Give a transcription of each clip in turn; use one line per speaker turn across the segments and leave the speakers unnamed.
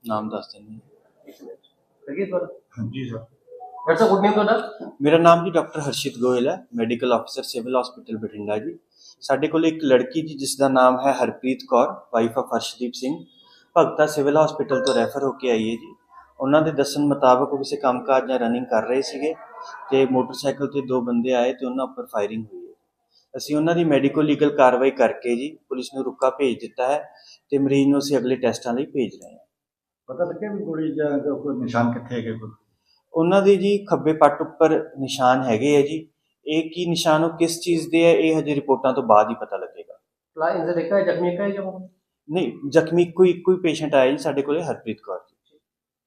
नाम दस देंगे।
जी सर।
डॉक्टर साहब गुड नेम ਤੁਹਾਡਾ?
मेरा नाम जी डॉक्टर हर्षित गोयल है, medical officer civil hospital Bathinda ji. ਸਾਡੇ ਕੋਲ ਇੱਕ ਲੜਕੀ ਜੀ ਜਿਸ ਦਾ ਨਾਮ ਹੈ Harpreet Kaur, wife of Harshdeep Singh, Bhagta civil hospital ਤੋਂ ਰੈਫਰ ਹੋ ਕੇ ਆਈ ਹੈ ਜੀ। ਉਹਨਾਂ ਦੇ ਦੱਸਣ ਮੁਤਾਬਕ ਉਹ ਕਿਸੇ ਕੰਮਕਾਜ ਜਾਂ ਰਨਿੰਗ ਕਰ ਰਹੇ ਸੀਗੇ ਤੇ ਮੋਟਰਸਾਈਕਲ ਤੇ ਦੋ ਬੰਦੇ ਆਏ ਤੇ ਉਹਨਾਂ ਉੱਪਰ ਫਾਇਰਿੰਗ ਹੋਈ ਹੈ। ਅਸੀਂ ਉਹਨਾਂ ਦੀ ਮੈਡੀਕੋ ਲੀਗਲ ਕਾਰਵਾਈ ਕਰਕੇ ਜੀ ਪੁਲਿਸ ਨੂੰ ਰੁਕਾ ਭੇਜ ਦਿੱਤਾ ਹੈ ਤੇ ਮਰੀਜ਼ ਨੂੰ ਅਸੀਂ ਅਗਲੇ ਟੈਸਟਾਂ ਲਈ ਭੇਜ ਰਹੇ ਹਾਂ।
ਪਤਾ ਲੱਗਿਆ ਵੀ ਗੋਲੀ ਜਾਂ ਕੋਈ ਨਿਸ਼ਾਨ ਕਿੱਥੇ ਹੈਗੇ ਕੋਈ?
ਉਹਨਾਂ ਦੇ ਜੀ ਖੱਬੇ ਪੱਟ ਉੱਪਰ ਨਿਸ਼ਾਨ ਹੈਗੇ ਹੈ ਜੀ। ਇਹ ਕੀ ਨਿਸ਼ਾਨ ਉਹ ਕਿਸ ਚੀਜ਼ ਦੇ ਹੈ ਇਹ ਹਜੇ ਰਿਪੋਰਟਾਂ ਤੋਂ ਬਾਅਦ ਹੀ ਪਤਾ ਲੱਗੇਗਾ।
ਲਾ ਇੰਜਰ ਦੇਖਾ ਹੈ ਜ਼ਖਮੀ ਹੈ ਜਾਂ
ਨਹੀਂ, ਜ਼ਖਮੀ ਕੋਈ ਪੇਸ਼ੈਂਟ ਆਇਆ ਜੀ ਸਾਡੇ ਕੋਲੇ, ਹਰਪ੍ਰੀਤ ਕੌਰ ਜੀ।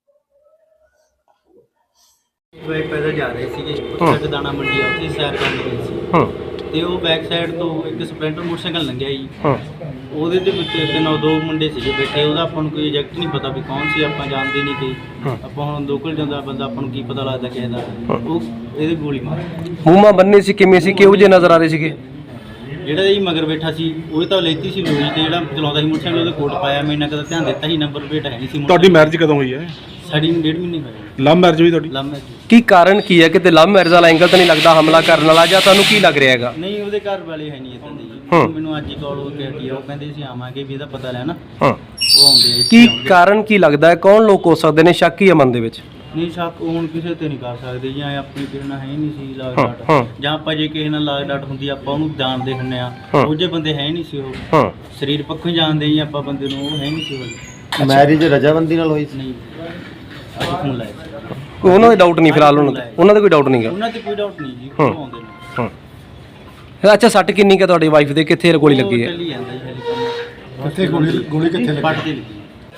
ਬੈਕ ਪੈਦਲ ਜਾ ਰਹੇ ਸੀਗੇ ਉੱਥੇ ਦਾਣਾ ਮੰਡੀ ਆ, ਉੱਥੇ ਸੈਰ ਕਰਨ ਗਏ ਸੀ ਤੇ ਉਹ ਬੈਕ ਸਾਈਡ ਤੋਂ ਇੱਕ ਸਪਲੈਂਡਰ ਮੋਟਰਸਾਈਕਲ ਲੰਘਿਆ ਜੀ। ਉਹਦੇ ਦੇ ਵਿੱਚ ਦੋ ਮੁੰਡੇ ਸੀਗੇ ਬੈਠੇ। ਉਹਦਾ ਆਪਾਂ ਨੂੰ ਕੋਈ ਐਗਜ਼ੈਕਟ ਨਹੀਂ ਪਤਾ ਵੀ ਕੌਣ ਸੀ, ਆਪਾਂ ਜਾਣਦੇ ਨਹੀਂ ਕਿ ਆਪਾਂ ਹੁਣ ਲੋਕਲ ਜਾਂਦਾ ਬੰਦਾ ਆਪਾਂ ਨੂੰ ਕੀ ਪਤਾ ਲੱਗਦਾ ਕਿਸੇ ਦਾ। ਉਹ ਇਹਦੇ ਗੋਲੀ ਮਾਰੀ।
ਮੂੰਹਾਂ ਬੰਨੇ ਸੀ ਕਿਵੇਂ ਸੀ, ਕਿਹੋ ਜਿਹੇ ਨਜ਼ਰ ਆ ਰਹੇ ਸੀਗੇ?
ਜਿਹੜਾ ਜੀ ਮਗਰ ਬੈਠਾ ਸੀ ਉਹ ਤਾਂ ਲੈਤੀ ਸੀ ਲੋਹੀ ਤੇ ਜਿਹੜਾ ਚਲਾਉਂਦਾ ਸੀ ਮੋਟਰਸਾਈਕਲ ਉਹਦੇ ਕੋਟ ਪਾਇਆ। ਮੈਂ ਇੰਨਾ ਕਦਾ ਧਿਆਨ ਦਿੱਤਾ ਸੀ, ਨੰਬਰ ਪਲੇਟ ਹੈ ਨਹੀਂ ਸੀ।
ਤੁਹਾਡੀ ਮੈਰਿਜ ਕਦੋਂ ਹੋਈ ਹੈ?
ਸਾਡੀ 1.5 ਮਹੀਨੇ ਹੋਏ।
ਲਵ ਮੈਰਿਜ ਹੋਈ ਤੁਹਾਡੀ?
Love marriage.
ਕੀ ਕਾਰਨ ਕੀ ਹੈ? ਕਿਤੇ ਲਵ ਮੈਰਿਜ ਵਾਲਾ ਐਂਗਲ ਤਾਂ ਨਹੀਂ ਲੱਗਦਾ ਹਮਲਾ ਕਰਨ ਵਾਲਾ, ਜਾਂ ਤੁਹਾਨੂੰ ਕੀ ਲੱਗ ਰਿਹਾ ਹੈਗਾ?
ਨਹੀਂ, ਉਹਦੇ ਘਰ ਵਾਲੇ ਹੈ ਨਹੀਂ ਇੱਦਾਂ ਦੇ ਜੀ। ਮੈਨੂੰ ਅੱਜ ਹੀ ਕਾਲ ਹੋ ਕੇ ਹਟੀ ਆ, ਉਹ ਕਹਿੰਦੇ ਸੀ ਆਵਾਂਗੇ ਵੀ ਇਹਦਾ ਪਤਾ ਲੈਣਾ। ਉਹ ਆਉਂਦੇ
ਕੀ ਕਾਰਨ ਕੀ ਲੱਗਦਾ ਹੈ? ਕੌਣ ਲੋਕ ਹੋ ਸਕਦੇ ਨੇ? ਸ਼ੱਕ ਹੀ ਹੈ ਮਨ ਦੇ ਵਿੱਚ?
ਨਹੀਂ, ਸ਼ੱਕ ਹੁਣ ਕਿਸੇ ਤੇ ਨਹੀਂ ਕਰ ਸਕਦੇ ਜਾਂ ਆਪਣੀ ਕਿਸੇ ਨਾਲ ਹੈ ਨਹੀਂ ਸੀ ਲਾਗ ਡਾਟ, ਜਾਂ ਆਪਾਂ ਜੇ ਕਿਸੇ ਨਾਲ ਲਾਗ ਡਾਟ ਹੁੰਦੀ ਆਪਾਂ ਉਹਨੂੰ ਜਾਣਦੇ ਹੁੰਦੇ ਆ। ਉਹ ਜੇ ਬੰਦੇ ਹੈ ਨਹੀਂ ਸੀ, ਉਹ ਸਰੀਰ ਪੱਖੋਂ ਜਾਣਦੇ ਹੀ ਆਪਾਂ ਬੰਦੇ ਨੂੰ, ਉਹ ਹੈ ਨਹੀਂ ਸੀ ਉਹ।
ਮੈਰਿਜ ਰਜਾਮੰਦੀ ਨਾਲ ਹੋਈ ਸੀ?
ਨਹੀਂ, ਅੱਜ ਫੋਨ ਲਾਇਆ
ਕੋਈ ਉਹਨਾਂ ਦੇ ਡਾਊਟ ਨਹੀਂ ਫਿਲਹਾਲ? ਉਹਨਾਂ ਦਾ ਕੋਈ ਡਾਊਟ ਨਹੀਂਗਾ?
ਉਹਨਾਂ ਤੇ ਕੋਈ ਡਾਊਟ ਨਹੀਂ ਜੀ, ਉਹ ਆਉਂਦੇ ਨੇ।
ਅੱਛਾ, ਸੱਟ ਕਿੰਨੀ ਕੁ ਤੁਹਾਡੀ ਵਾਈਫ ਦੇ? ਕਿੱਥੇ ਗੋਲੀ ਲੱਗੀ ਹੈ?
ਚੱਲੀ ਜਾਂਦਾ ਜੀ ਹਲੇ ਕੰਮ।
ਕਿੱਥੇ ਗੋਲੀ ਕਿੱਥੇ ਲੱਗੀ?
ਪੱਟ ਤੇ ਲੱਗੀ।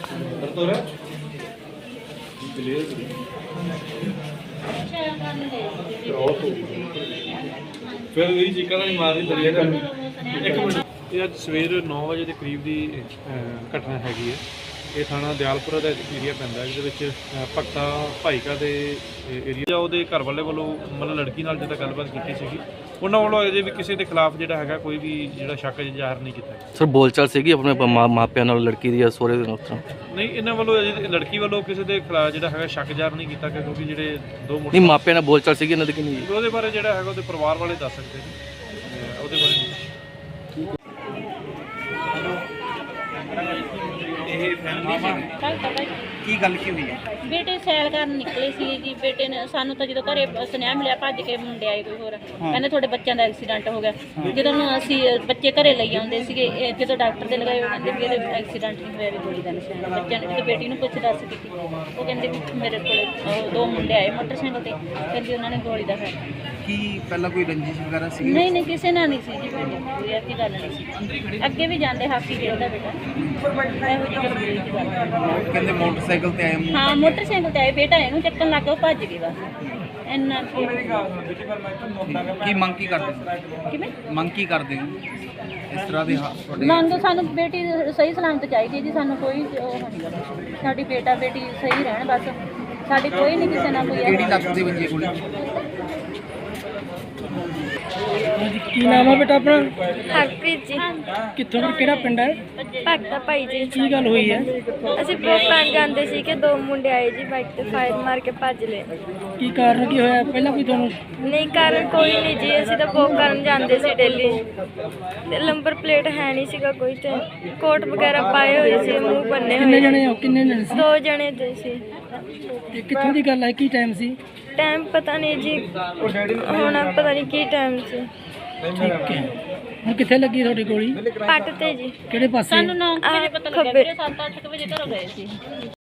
ਫਿਰ ਇਹ ਚੀਕਾਂ ਨਹੀਂ ਮਾਰਦੀ ਦਰਿਆ ਕਰ। ਇੱਕ ਮਿੰਟ, ਇਹ ਅੱਜ ਸਵੇਰ 9 ਵਜੇ ਦੇ ਕਰੀਬ ਦੀ ਘਟਨਾ ਹੈਗੀ ਹੈ। ਇਹ ਥਾਣਾ ਦਿਆਲਪੁਰਾ ਦਾ ਏਰੀਆ ਪੈਂਦਾ, ਜਿਹਦੇ ਵਿੱਚ ਭਗਤਾ ਭਾਈਕਾ ਦੇ ਏਰੀਆ। ਉਹਦੇ ਘਰ ਵਾਲੇ ਵੱਲੋਂ ਮਤਲਬ ਲੜਕੀ ਨਾਲ ਜਿਹੜਾ ਗੱਲਬਾਤ ਕੀਤੀ ਸੀਗੀ, ਉਹਨਾਂ ਵੱਲੋਂ ਅਜੇ ਵੀ ਕਿਸੇ ਦੇ ਖਿਲਾਫ ਜਿਹੜਾ ਹੈਗਾ ਕੋਈ ਵੀ ਜਿਹੜਾ ਸ਼ੱਕ ਜ਼ਾਹਰ ਨਹੀਂ ਕੀਤਾ।
ਸਰ ਬੋਲਚਾਲ ਸੀਗੀ ਆਪਣੇ ਮਾਪਿਆਂ ਨਾਲ ਲੜਕੀ ਦੀ ਜਾਂ ਸਹੁਰੇ ਦੇ ਨਾਲ? ਉਸ ਤਰ੍ਹਾਂ
ਨਹੀਂ, ਇਹਨਾਂ ਵੱਲੋਂ ਅਜੇ ਲੜਕੀ ਵੱਲੋਂ ਕਿਸੇ ਦੇ ਖਿਲਾਫ ਜਿਹੜਾ ਹੈਗਾ ਸ਼ੱਕ ਜ਼ਾਹਰ ਨਹੀਂ ਕੀਤਾ ਗਿਆ, ਕਿਉਂਕਿ ਜਿਹੜੇ ਦੋ
ਨਹੀਂ ਮਾਪਿਆਂ ਨਾਲ ਬੋਲਚਾਲ ਸੀਗੀ ਇਹਨਾਂ ਦੀ ਕਿ ਨਹੀਂ?
ਉਹਦੇ ਬਾਰੇ ਜਿਹੜਾ ਹੈਗਾ ਉਹਦੇ ਪਰਿਵਾਰ ਵਾਲੇ ਦੱਸ ਸਕਦੇ ਨੇ, ਉਹਦੇ ਬਾਰੇ ਨਹੀਂ।
ਕੀ ਗੱਲ ਕੀ ਹੋਈ ਹੈ?
ਬੇਟੇ ਸੈਰ ਕਰਨ ਨਿਕਲੇ ਸੀ ਜੀ। ਬੇਟੇ ਨੇ ਸਾਨੂੰ ਤਾਂ ਜਦੋਂ ਘਰੇ ਸੁਨੇਹਾ ਮਿਲਿਆ ਭੱਜ ਕੇ ਮੁੰਡੇ ਆਏ ਕੋਈ ਹੋਰ, ਕਹਿੰਦੇ ਤੁਹਾਡੇ ਬੱਚਿਆਂ ਦਾ ਐਕਸੀਡੈਂਟ ਹੋ ਗਿਆ। ਜਦੋਂ ਅਸੀਂ ਬੱਚੇ ਘਰੇ ਲਈ ਆਉਂਦੇ ਸੀਗੇ, ਜਦੋਂ ਡਾਕਟਰ ਦੇ ਲਗਾਏ ਉਹ ਕਹਿੰਦੇ ਵੀ ਇਹਦੇ ਐਕਸੀਡੈਂਟ ਨਹੀਂ ਹੋਇਆ, ਵੀ ਗੋਲੀ ਦਾ ਨਿਸ਼ਾਨ ਹੈ। ਬੱਚਿਆਂ ਨੇ ਜਦੋਂ ਬੇਟੀ ਨੂੰ ਪੁੱਛ ਦੱਸ ਕੀਤੀ, ਉਹ ਕਹਿੰਦੇ ਵੀ ਮੇਰੇ ਕੋਲ ਦੋ ਮੁੰਡੇ ਆਏ ਮੋਟਰਸਾਈਕਲ ਤੇ, ਕਹਿੰਦੇ ਉਹਨਾਂ ਨੇ ਗੋਲੀ ਦਾ ਹੈ।
ਕੀ ਪਹਿਲਾਂ ਕੋਈ ਰੰਜਿਸ਼ ਵਗੈਰਾ ਸੀ?
ਨਹੀਂ, ਕਿਸੇ ਨਾਲ ਨਹੀਂ ਸੀ ਜੀ ਬੇਟੇ, ਕੋਈ ਐਸੀ ਗੱਲ ਨਹੀਂ ਸੀ। ਅੱਗੇ ਵੀ ਜਾਂਦੇ, ਹਾਕੀ ਖੇਡਦਾ ਬੇਟਾ, ਇਹੋ ਜਿਹੀ ਗੱਲ ਨਹੀਂ ਸੀ ਗੱਲ।
ਕਹਿੰਦੇ ਮੋਟਰਸਾਈਕਲ ਤੇ ਆਏ।
ਹਾਂ, ਮੋਟਰਸਾਈਕਲ ਤੇ ਆਏ, ਬੇਟਾ ਇਹਨੂੰ ਚੱਕਣ ਲੱਗ ਗਿਆ, ਉਹ ਭੱਜ ਗਏ ਬਸ। ਇੰਨਾ
ਕੀ ਮੰਗ ਕੀ ਕਰਦੇ?
ਕਿਵੇਂ
ਮੰਗ ਕੀ ਕਰਦੇ ਹੋ ਇਸ ਤਰ੍ਹਾਂ ਦੇ
ਮੰਗ? ਸਾਨੂੰ ਬੇਟੀ ਸਹੀ ਸਲਾਮਤ ਚਾਹੀਦੀ ਜੀ, ਸਾਨੂੰ ਕੋਈ ਉਹ ਨਹੀਂ ਗਾ। ਸਾਡੀ ਬੇਟਾ ਬੇਟੀ ਸਹੀ ਰਹਿਣ ਬਸ, ਸਾਡੀ ਕੋਈ ਨਹੀਂ ਕਿਸੇ ਨਾਲ ਕੋਈ।
ਕਿਹੜੀ ਲੱਤ ਦੀ ਵੱਜੀ ਗੋਲੀ?
ਕੀ ਨਾਮ ਹੈ ਬੇਟਾ ਆਪਣਾ?
ਹਰਪ੍ਰੀਤ ਜੀ।
ਕਿੱਥੋਂ ਦਾ, ਕਿਹੜਾ ਪਿੰਡ ਹੈ?
ਭਗਤਾ ਭਾਈ ਜੀ।
ਕੀ ਗੱਲ ਹੋਈ ਹੈ?
ਅਸੀਂ ਵੋਟ ਪਾਣ ਜਾਂਦੇ ਸੀ ਕਿ ਦੋ ਮੁੰਡੇ ਆਏ ਜੀ, ਬਾਈਕ ਤੇ ਫਾਇਰ ਮਾਰ ਕੇ ਭੱਜ ਲਏ।
ਕੀ ਕਾਰਨ ਕੀ ਹੋਇਆ ਪਹਿਲਾਂ ਕੋਈ ਤੁਹਾਨੂੰ?
ਨਹੀਂ, ਕਾਰਨ ਕੋਈ ਨਹੀਂ ਜੀ, ਅਸੀਂ ਤਾਂ ਵੋਟ ਕਰਨ ਜਾਂਦੇ ਸੀ ਡੇਲੀ ਤੇ ਨੰਬਰ ਪਲੇਟ ਹੈ ਨਹੀਂ ਸੀਗਾ ਕੋਈ, ਤੇ ਕੋਟ ਵਗੈਰਾ ਪਾਏ ਹੋਏ ਸੀ, ਮੂੰਹ ਬੰਨੇ
ਕਿੰਨੇ
ਹੋਏ।
ਜਣੇ ਹੋ? ਕਿੰਨੇ ਜਣੇ ਸੀ?
ਦੋ ਜਣੇ ਤੇ ਸੀ।
ਤੇ ਕਿੱਥੋਂ ਦੀ ਗੱਲ ਹੈ? ਕੀ ਟਾਈਮ ਸੀ?
ਟਾਈਮ ਪਤਾ ਨਹੀਂ ਜੀ, ਹੁਣ ਪਤਾ ਨਹੀਂ ਕੀ ਟਾਈਮ ਸੀ।
ਠੀਕ ਹੈ। ਹੁਣ ਕਿੱਥੇ ਲੱਗੀ ਤੁਹਾਡੀ ਗੋਲੀ?
ਪੱਟ ਤੇ ਜੀ।
ਕਿਹੜੇ ਪਾਸੇ?
ਸਾਨੂੰ 9 ਵਜੇ ਪਤਾ ਲੱਗਿਆ,
ਖੱਬੇ।
7-8 ਵਜੇ ਘਰੋਂ ਗਏ ਸੀ।